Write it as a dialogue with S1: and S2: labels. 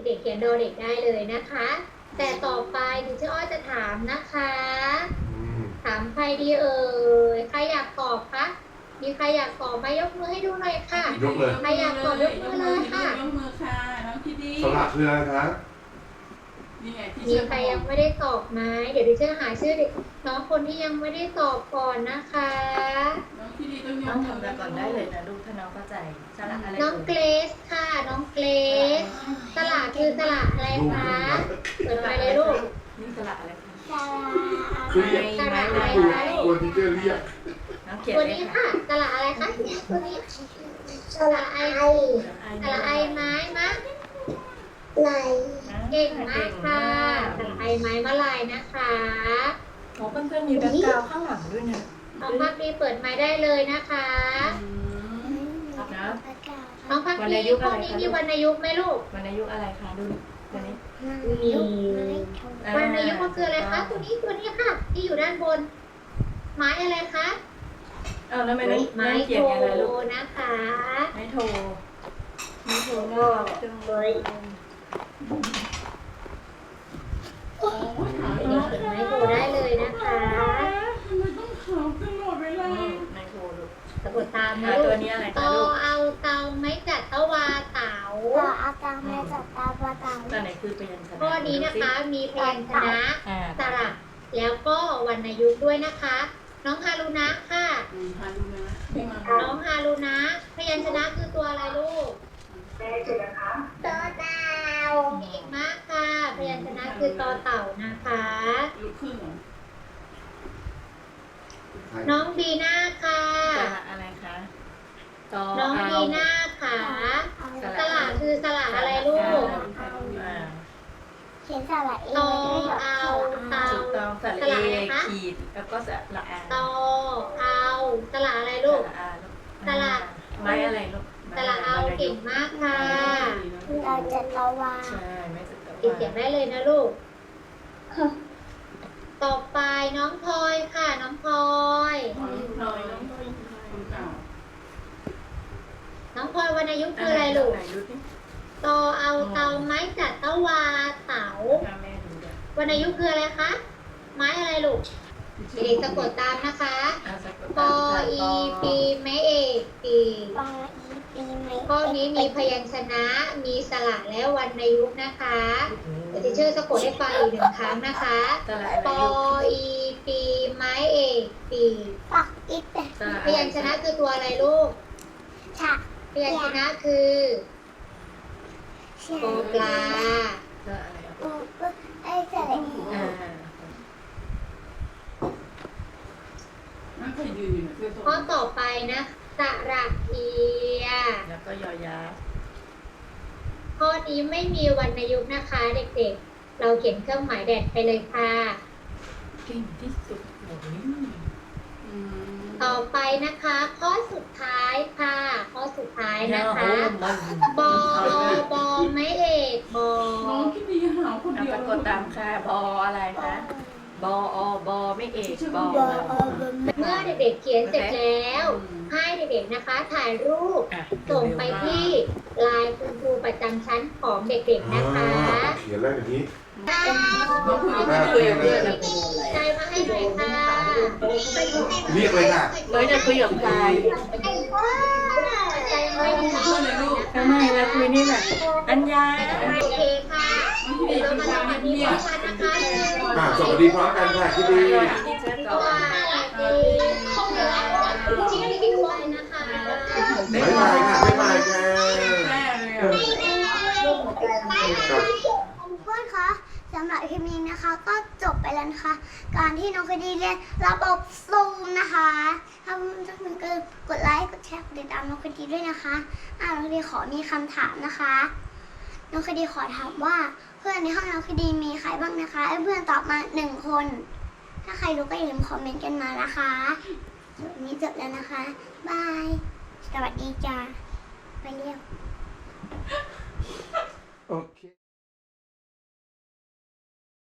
S1: เด็กๆเขียนดอเด็กได้เลยนะคะ แต่ต่อไปดิฉันอ้อยจะถามนะคะถามใครดีเอ่ยใครอยากตอบคะมีใครอยากตอบมายกมือให้ดูหน่อยค่ะ
S2: ยกเลย
S1: ใครอยากตอบยกมือเลยค่ะ
S3: ยกมือค่ะน้องคิดดี
S2: สระคืออะไรคะ
S3: นี่ไงที่
S1: มีใครยังไม่ได้ตอบไหมเดี๋ยวดิฉันหาชื่อเด็กน้องคนที่ยังไม่ได้ตอบก่อนนะคะ
S3: น้องคิดดีต้องย
S4: น้อง
S3: กมือ
S4: ทำแล้วก่อนได้เลยนะลูกถ้าน้องเข้าใจสระอะไร
S1: น้องเกรซค่ะน้องเกรซสระคือสระอะไรคะเปิดไฟเลยลูก
S4: นี่สระอะไรคะ
S2: คือเรียก
S1: สระอะไรคะ
S2: ตัวที่เจอเรียก
S4: น้องเขียน
S1: ตัว
S4: เลย
S1: นี้
S4: ค่ะ
S1: ค่ะสระอะไรคะตัวนี้สระไอสระไอไม้มะลายเก่งมากค่ะสระไอไม้มะลายนะคะ
S4: โอ้เพื่อนๆมีแบ็คกราวด์ข้างหลังด้วยนะ
S1: น้องพักดีเปิดไม้ได้เลยนะคะ
S4: นะ
S1: น้องพักดีข้อนี้มีวรรณยุกต์ไหมลูก
S4: วรรณยุกต์อะไรคะดูตัวนี้
S1: มีวรรณยุกต์มันคืออะไรคะตัวนี้ค่ะ ที่อยู่ด้านบน ไม้อะไรคะ
S4: อ้าวแล้วไม่ได้
S1: ไม้
S4: เขียน
S1: โท
S4: ยังไงลูก
S1: นะคะ
S4: ไม้โทไม้โทน่ารักจังเลย
S3: โอ้ยขาว
S1: เด็กๆเขียนไม้โทได้เลยนะคะ
S3: ทำไมต้องขาวตลอดเวลา
S4: ไม้โทลูก
S1: สะกดตามนะ
S4: ตั
S1: ลู
S4: ว
S1: ก
S4: นี้อะไร
S1: ต
S4: คะ
S1: อ
S4: ลูก
S1: เอาเตาไม้จัดตะวาเต๋า
S5: อาตาแม่จับตาปลาตา
S4: ตัวไหนคือพยัญชนะ
S1: ข้อนี้นะคะมีพยัญชนะ
S4: อ่า
S1: สระแล้วก็วรรณยุกต์ด้วยนะคะ น้องฮารุนะค่ะ
S3: พาดูนะไม่มา
S1: น้องฮารุนะพยัญชนะคือตัวอะไรลูก
S5: ตัวดาว
S1: เก่งมากค่ะพยัญชนะคือตอเต่านะคะ
S3: ลุกขึ้นเหรอ
S1: น้องบีน่าค่ะ
S4: สระอะไรคะตอ
S1: น้อง
S4: เอา
S1: บีน่าค่ะสระคือสระอะไรลูก
S4: อ่า
S5: เขียนสระเอ
S1: ตอเอาเตา
S4: ถูกต้องสระ
S1: ส
S4: เอ
S1: ระอะไรคะ
S4: ขีดแล้วก็สระอา
S1: ตอเอาสระอะไรลูก
S4: สระอาลูก
S1: สระ
S4: ไม้อะไรลูก
S1: สระเอาเก่งมากค่ะ
S5: เราจะตะวา
S4: ใช่ไม้สระ
S1: ติดเสียงได้เลยนะลูก ต่อไปน้องพลอยค่ะ น้องพลอย
S3: น้อยน้องก็คนเก่า
S1: น้องพลอยวรรณยุกต์คืออะไรลูก
S4: ไหนดูสิ
S1: ตอเอาเตาไม้จัดตะวาเต๋า
S4: แม่ดูด้วย
S1: วรรณยุกต์คืออะไรคะ ไม้อะไรลูกเด็กๆสะกดตามนะคะ
S4: สะกด
S1: ปออีปีไม้เอกปี
S5: ปลาอีปีไหม
S1: ข้อนี้มีพยัญชนะ มีสระและวรรณยุกต์นะคะเดี๋ยวจะเชื่อสะกดให้ฟังอีกหนึ่งครั้งนะคะ
S4: สระ
S1: ป
S4: อะไร
S1: อ
S4: ลูก
S1: อีปีไม้เอกปี
S5: ปักอีแต่
S4: สระ
S1: พยัญชนะคือตัวอะไรลูก
S5: ฉาก
S1: พยัญชนะคือ
S5: เชีย
S1: ปอปลา
S4: สระอะไร
S5: ปูก็ไอ้สระเอ
S4: อ่า
S3: นั่งเคยยืนอยู่เนี่ยเสื้อส้ม
S1: ข้อต่อไปนะสระเอีย
S4: แล้วก็ยอยักษ์
S1: ข้อนี้ไม่มีวรรณยุกต์นะคะเด็กๆ เราเขียนเครื่องหมายแดดไปเลยค่ะ
S4: เก่งที่สุดโอ้ย
S1: ต่อไปนะคะ ข้อสุดท้ายค่ะ ข้อสุดท้ายนะคะ
S4: มัน
S1: บอบอไม่เอกบอ
S3: น้องคิดดีหาวคน
S4: เอา
S3: เดียว
S4: สะกดตามค่ะบออะไรคะบอบอไม่เอกบอ
S5: บออบม
S1: เมื่อเด็กๆเขียนเสร็จแล้ว ให้เด็กๆนะคะ ถ่ายรูป
S4: อ่ะ
S1: ส่งไปที่ไลน์คุณครูประจำชั้นของเด็กๆนะคะ
S2: เขียนแล้วอย่างนี้
S3: น้องคุยกับ
S4: คุยกับเพื่อนนะ
S1: ใจมาให้หน่อยค่ะ
S2: เรียกเลยค่ะ
S4: น้อยจะคุยกับใคร
S1: ใจมาให้หน่อย
S3: เพื่อนเลยลูก
S4: ทำไมเราคุยนี่แหละอัญญา
S1: โอเคค่ะ
S3: น้องคิดดี
S1: เดี๋ยว
S3: เป็น
S1: เรา
S3: ค
S1: มาน ทำ
S3: เงี
S1: อันนี้
S3: ย
S1: พร้อบ มกันนะคะ
S2: สวัสดีพร้อมกันค่ะคิดดี
S4: ที่เชื่อ
S1: ส
S4: ก่อน
S1: วัสดีจริงๆด้วยนะคะ
S2: บ๊ายบายค่ะบ๊ายบายค่ะ
S3: แม่เลยอ่ะ
S2: ครับ
S5: เพื่อนคะสำหรับคลิปนี้นะคะ ก็จบไปแล้วนะคะ การที่น้องคดีเรียนระบบซูมนะคะถ้าทุกคนก็กดไลค์กดแชร์กดติดตามน้องคดีด้วยนะคะน้องคดีขอมีคำถามนะคะ น้องคดีขอถามว่าเพื่อนในห้องน้องคดีมีใครบ้างนะคะให้เพื่อนตอบมา1 คน ถ้าใครรู้ก็อย่าลืมคอมเมนต์กันมานะคะวันนี้จบแล้วนะคะบายสวัสดีจ้าไปเรียก
S2: โอเค